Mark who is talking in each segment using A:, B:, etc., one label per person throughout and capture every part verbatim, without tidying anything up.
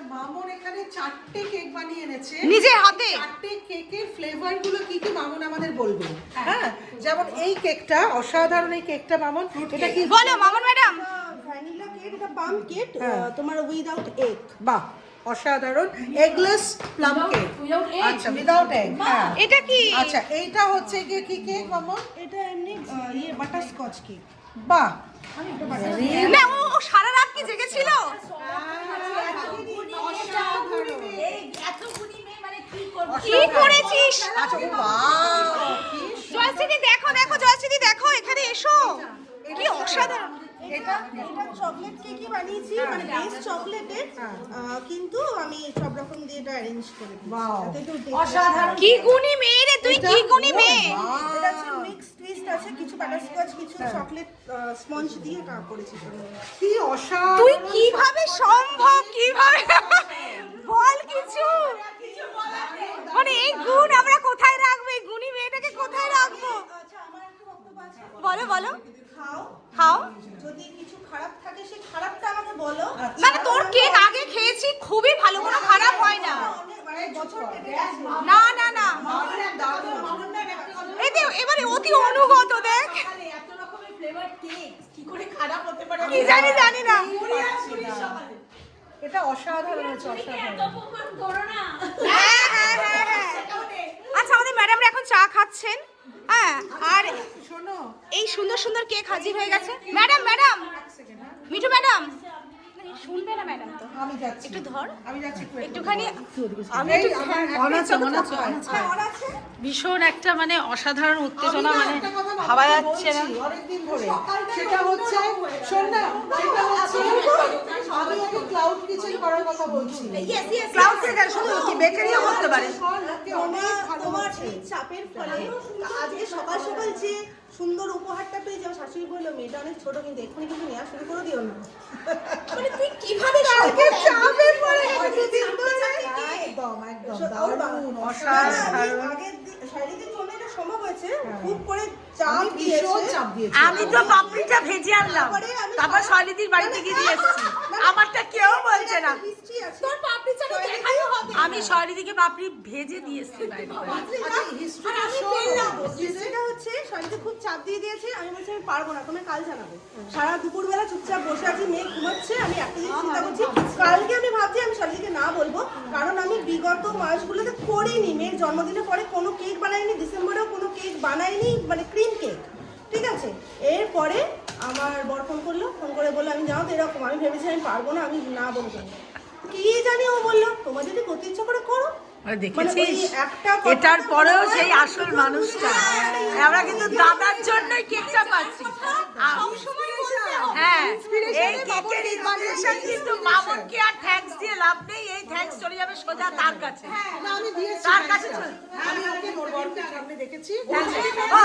A: মামন এখানে চারটে কেক বানিয়ে এনেছে
B: নিজের হাতে।
A: চারটে কেকের ফ্লেভার গুলো কি কি মামন আমাদের বলবে। হ্যাঁ, যেমন এই কেকটা অসাধারণ, এই কেকটা মামন, এটা কি
B: বলো মামন ম্যাডাম?
C: ভ্যানিলা কেক, এটা পাম কেক, তোমার উইদাউট এগ।
A: বাহ, অসাধারণ। Eggless plum cake. আচ্ছা, উইদাউট এগ। হ্যাঁ,
B: এটা কি?
A: আচ্ছা, এইটা হচ্ছে কি কি কেক মামন?
C: এটা এমনি ইয়ে বাটার স্কচ কেক।
A: বাহ,
B: না ও ও সারা রাত কি জেগেছিল? কি করেছিস?
A: আচ্ছা, ও বাহ,
B: জয়শ্রী দেখো দেখো, জয়শ্রী দেখো এখানে এসো, কি অসাধারণ।
C: এটা এটা চকলেট কেকই বানিয়েছি, মানে বেস চকলেটের, কিন্তু আমি সব রকম দিয়ে এটা অ্যারেঞ্জ করে দিয়েছি।
A: Wow.
C: যাতে একটু অসাধারণ।
B: কি গুণী মেয়ে রে তুই, কি গুণী মেয়ে।
C: এটা হচ্ছে মিক্স টুইস্ট আছে, কিছু বাটার স্কচ, কিছু চকলেট স্পঞ্জ দিয়ে কা করেছি।
A: কি অসাধারণ।
B: তুই কিভাবে সম্ভব, কিভাবে বল কিছু, মানে এই গুণ আমরা কোথায় রাখবো, এই গুণী মেয়েটাকে কোথায় রাখবো?
C: আচ্ছা, আমার একটা বক্তব্য আছে।
B: বলো বলো।
C: খাও,
B: খাও।
C: যদি কিছু খারাপ থাকে সেই খারাপটা আমাকে বলো।
B: মানে তোর কেক আগে খেয়েছি, খুবই ভালো, কোনো খারাপ হয় না।
C: অনেক মানে বছর কেটে গেছে।
B: না না না, এই দে এবারে অতি অনুগত দেখ, কি জানি জানি না।
A: এটা অসাধারণ হচ্ছে, অসাধারণ।
B: হ্যাঁ হ্যাঁ হ্যাঁ হ্যাঁ। আচ্ছা, আমাদের ম্যাডামরা এখন চা খাচ্ছেন। হ্যাঁ, আর
A: শোনো,
B: এই সুন্দর সুন্দর কেক হাজির হয়ে গেছে। ম্যাডাম ম্যাডাম মিঠু ম্যাডাম শুনবে না ম্যাডাম তো,
A: আমি যাচ্ছি,
B: একটু ধর,
A: আমি যাচ্ছি একটু,
B: একটুখানি। আমি
A: এই
B: একটু
A: আমার
D: অনাচে অনাচে
B: হ্যাঁ, ওর আছে।
D: ভীষণ একটা মানে অসাধারণ উত্তেজনা,
A: আমি না
D: মানে
A: একটা কথা
D: ভাবা
A: বাবাকে
D: যাচ্ছে না।
A: বলছি অনেকদিন ধরে, সেটা হচ্ছে, শোন না, সেটা হচ্ছে আমি একটা ক্লাউড কিচেন করার কথা বলছি।
D: ক্লাউড কিচেন শুধু কি বেকারিও করতে পারে।
C: তোমার তোমার এই চাপের ফলে আজকে সকাল সকাল যে সুন্দর উপহারটা পেয়ে যাও, শাশুড়ি বললো মেয়েটা অনেক ছোট, কিন্তু এক্ষুনি কিন্তু নেওয়া শুরু করে দিও না। মানে তুই কিভাবে
A: কালকে চাপের পরে
C: দুদিন ধরে
A: একদম একদম
C: ওর বাবা-
A: দারুণ,
C: না,
A: অসাধারণ।
C: আমি আগের দিন- শারীরিক জন্য এটা সম্ভব হয়েছে, খুব করে চাপ
A: আমি ভীষণ
C: দিয়েছে।
A: চাপ দিয়েছি।
D: আমি তো পাপড়িটা ভেজে আনলাম,
C: তারপরে আমি
D: তারপর
C: সারা-
D: শৈলীদির বাড়ি থেকে দিয়ে এসেছি, আমারটা কেউ বলছে না।
C: হিস্ট্রি আছে।
B: তোর পাপড়ি চাটা দেখাইও হবে।
D: আমি শৈলীদিকে পাপড়ি ভেজে দিয়ে এসেছি বাইরে।
A: আচ্ছা, হিস্ট্রিটা
C: আমি
A: শোনো।
C: পেলাম। হিস্ট্রিটা হচ্ছে শাড়িতে খুব চাপ দিয়ে দিয়েছে, আমি বলছি আমি পারবো না, তুমি কাল জানাবে। সারা দুপুরবেলা চুপচাপ বসে আছি, মেয়ে ঘুমাচ্ছে, আমি একটা জিনিস চিন্তা করছি, কালকে আমি ভাবছি আমি শাড়িকে না বলবো, কারণ আমি বিগত মাসগুলোতে করিনি, মেয়ের জন্মদিনের পরে কোনো কেক বানাইনি, ডিসেম্বরেও কোনো কেক বানাইনি, মানে ক্রিম কেক, ঠিক আছে। এরপরে আমার বর ফোন করলো, ফোন করে বললো আমি জানো তো এরকম, আমি ভেবেছি আমি পারবো না, আমি না বলবো। কি জানি ও বললো তোমার যদি করতে ইচ্ছা করে করো।
D: মানে
C: মানে ওই
D: দেখেছিস,
C: একটা কথা
D: এটার পরেও
C: বলা
D: সেই
C: হয়,
D: আসল মানুষটা। আমরা কিন্তু দাদার জন্যই কেকটা পাচ্ছি। হ্যাঁ, এই কেকের ইনস্পিরেশন কিন্তু মামনকে আর থ্যাঙ্কস দিয়ে লাভ নেই, এই থ্যাঙ্কস চলে যাবে সোজা তার কাছে।
A: না, আমি দিয়েছি,
D: তার কাছে চল।
A: আমি ওকে ওর বরকে সামনে দেখেছি।
D: ও,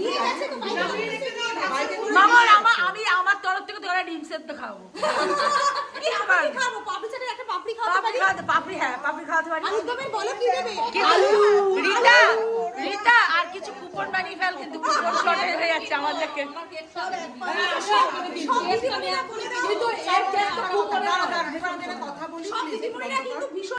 D: মামন আমার আমি আমার তরফ থেকে তোরা ডিম সেদ্ধ খাবো।
B: খাবো পাপড়ি চাটের একটা পাপড়ি খাওয়াতে
D: পাপড়ি
B: পারি।
D: খাওয়াতে পাপড়ি, হ্যাঁ পাপড়ি খাওয়াতে পারি।
B: আলুদমের বলো কি দেবে?
D: কিন্তু রীতা রীতা আর কিছু কুপন বানিয়ে ফেল, কিন্তু কুপন শর্টেজ হয়ে যাচ্ছে আমাদেরকে।
B: সব দিদিমণিরা বলে দাও, কিন্তু এর টেস্ট খুব ভালো।
A: কথা বলি,
B: সব দিদিমণিরা কিন্তু ভীষণ